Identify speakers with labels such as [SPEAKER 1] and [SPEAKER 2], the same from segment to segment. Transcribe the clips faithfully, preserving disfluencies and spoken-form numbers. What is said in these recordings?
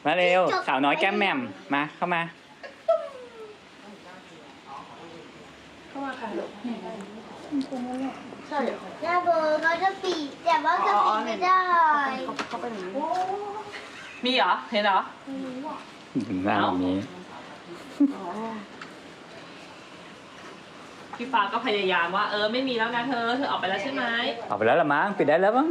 [SPEAKER 1] มาเร็วสาวน้อยแก้มแหม่มมาเข้ามา
[SPEAKER 2] เข้ามาค่ะลูกใช่เหรอ
[SPEAKER 3] หน้าเบอร์เขาจะปีกแต่ว่าจะปีกไม่ได้
[SPEAKER 2] เข้าไปหนึ่ง
[SPEAKER 4] มีเหรอ เห็นเหรอ
[SPEAKER 1] หน้าแบบนี้
[SPEAKER 4] พี่ฟ้าก็พยายามว่าเออไม่มีแล้วนะเธอ เธอออกไปแล้วใช่ไหม
[SPEAKER 1] ออกไปแล้วละมั้งปิดได้แล้วมั้ง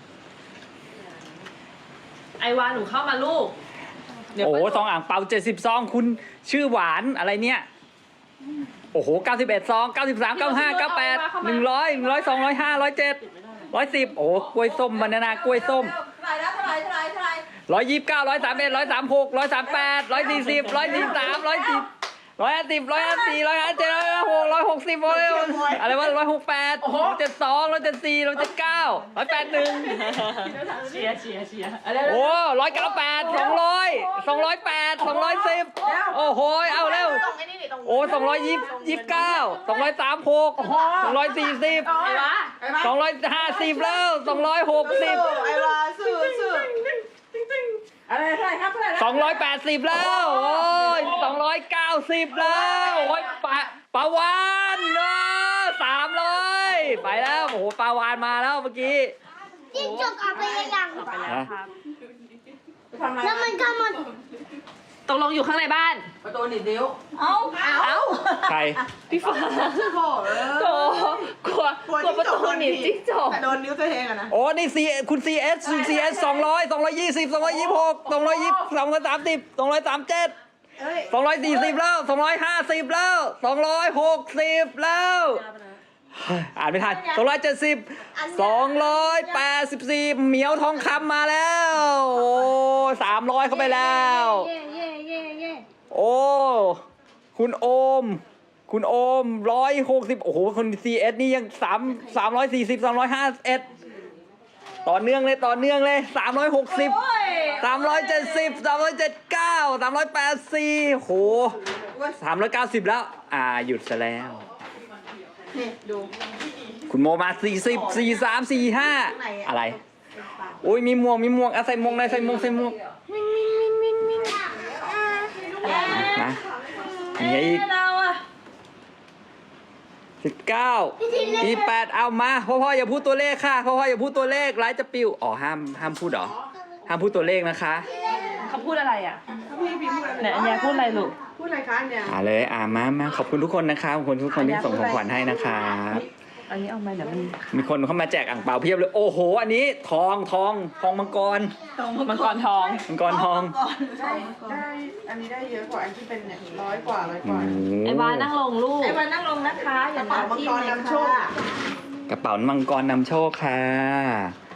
[SPEAKER 4] ไอวาหนูเข้ามาลูกเดี๋ยว
[SPEAKER 1] โอ้
[SPEAKER 4] ไป
[SPEAKER 1] ซองอ่างเปาเจ็ดสิบซองคุณชื่อหวานอะไรเนี่ยโอ้โหเก้าสิบเอ็ดซองเก้าสิบสามเก้าห้าเก้าแปดหนึ่งร้อยหนึ่งร้อยสองร้อยห้าร้อยเจ็ดร้อยสิบโอ้กล้วยส้มบานานากล้วยส้ม
[SPEAKER 2] เท่าไหร่แล้วเท่าไหร่เท่าไหร่เท่าไหร่
[SPEAKER 1] ร้อยยี่สิบเก้าร้อยสามเอ็ดร้อยสามหกร้อยสามแปดร้อยสี่สิบร้อยสี่สามร้อยสิบร้อยห้าสิบร้อยห้าสี่ร้อยห้าเจ็ดร้อยหกร้อยหกสิบอะไรวะร้อยหกแปดเจ็ดสองร้อยเจ็ดสี่ร้อยเจ็ดเก้าร้อยแปดหนึ่ง
[SPEAKER 4] เชียร์เชียร์เชียร์
[SPEAKER 1] โอ้ร้อยเก้าแปดสองร้อยสองร้อยแปดสองร้อยสิบโอ้โหเอาเร็วโอ้สองร้อยยี่สิบเก้าสองร้อยสามหกสองร้อยสี่สิบ
[SPEAKER 4] ไอวา
[SPEAKER 1] สองร้อยห้าสิบแล้วสองร้อยหกสิบ
[SPEAKER 2] ไอ้วาสู้สู้อะไรเท่าไหร่ครับเท่าไหร่
[SPEAKER 1] สองร้อยแปดสิบแล้วโอ้ยสองร้อยเก้าสิบแล้วโอ้ยปะปาวานเนาะสามร้อยไปแล้วโอ้โหปาวานมาแล้วเมื่อกี้
[SPEAKER 3] จิ้งจกเอาไปยัง
[SPEAKER 4] ออกไปแล้วครับ
[SPEAKER 2] ทำอะไร
[SPEAKER 3] แล้วมันก็มัน
[SPEAKER 4] ตกลงอยู่ข้างในบ้าน
[SPEAKER 2] ประตูหนีบนิ้ว
[SPEAKER 4] เอ้าเอ้า
[SPEAKER 1] ใคร
[SPEAKER 4] พี่ฟ้า
[SPEAKER 2] โถ่เออ
[SPEAKER 4] โตกลัวกลัวประตูหนีบจิ้งจก
[SPEAKER 2] แต่โดนนิ้วตัวเองอะนะ
[SPEAKER 1] โอ้นี่ซีคุณซีเอสคุณซีเอสสองร้อยสองร้อยยี่สิบสองร้อยยี่สิบหกสองร้อยยี่สิบสองร้อยสามสิบสองร้อยสามเจ็ด
[SPEAKER 2] เอ้ย
[SPEAKER 1] สองร้อยสี่สิบแล้วสองร้อยห้าสิบแล้วสองร้อยหกสิบแล้วอ่านไม่ทันสองร้อยเจ็ดสิบสองร้อยแปดสิบสี่เหมียวทองคำมาแล้วโอ้สามร้อยเข้าไปแล้ว
[SPEAKER 3] เย่เย่เย่เย่
[SPEAKER 1] โอ้คุณโอม คุณโอมร้อยหกสิบโอ้โหคนซีเอสนี่ยังสามสามร้อยสี่สิบสามร้อยห้าเอ็ดต่อเนื่องเลยต่อเนื่องเลยสามร้อยหกสิบสามร้อยเจ็ดสิบสามร้อยเจ็ดเก้าสามร้อยแปดสี่โหสามร้อยเก้าสิบแล้วอ่าหยุดซะแล้ว
[SPEAKER 2] นี่ดู
[SPEAKER 1] คุณโมมาสี่สิบสี่สามสี่ห้าอะไรโอ้ยมีหมวกมีหมวกอ่ะใส่หมวกเลยใส่หมวกใส่หมวกนะมีอีก
[SPEAKER 4] เราอะ
[SPEAKER 1] สิบเก้าอีแปดเอามาพ่อพ่ออย่าพูดตัวเลขค่ะพ่อพ่ออย่าพูดตัวเลขไลฟ์จะปิวอ๋อห้ามห้ามพูดเหรอห้ามพูดตัวเลขนะคะ
[SPEAKER 4] เขาพูดอะไรอ่ะ
[SPEAKER 2] พี่พี่พูดอะไร
[SPEAKER 4] ไหนอันเนี้ยพูดอะไรลูก
[SPEAKER 2] พูดอะไรคะเนี่ย
[SPEAKER 1] อ่าเลยอ่ามามาขอบคุณทุกคนนะครับขอบคุณทุกคนที่ส่งของขวัญให้นะครับ
[SPEAKER 4] อันนี้เอามาเดี๋ยวมัน
[SPEAKER 1] มีคนเข้ามาแจกอ่างเปาเพียบเลยโอ้โหอันนี้ทองทองทองมังกร
[SPEAKER 4] มังกรทอง
[SPEAKER 1] มังกรทอง
[SPEAKER 2] ได้ได้อันนี้ได้เยอะกว่าอันที่เป็นเนี่ยร้อยกว่าร้อยก
[SPEAKER 1] โอ้
[SPEAKER 2] ว่า
[SPEAKER 1] โห
[SPEAKER 4] ไอวานั่งลงลูก
[SPEAKER 2] ไอ้วันนั่งลงนะคะอย่าเป่ามังกรนำโชค
[SPEAKER 1] กระเป๋ามังกรนำโชคค่ะ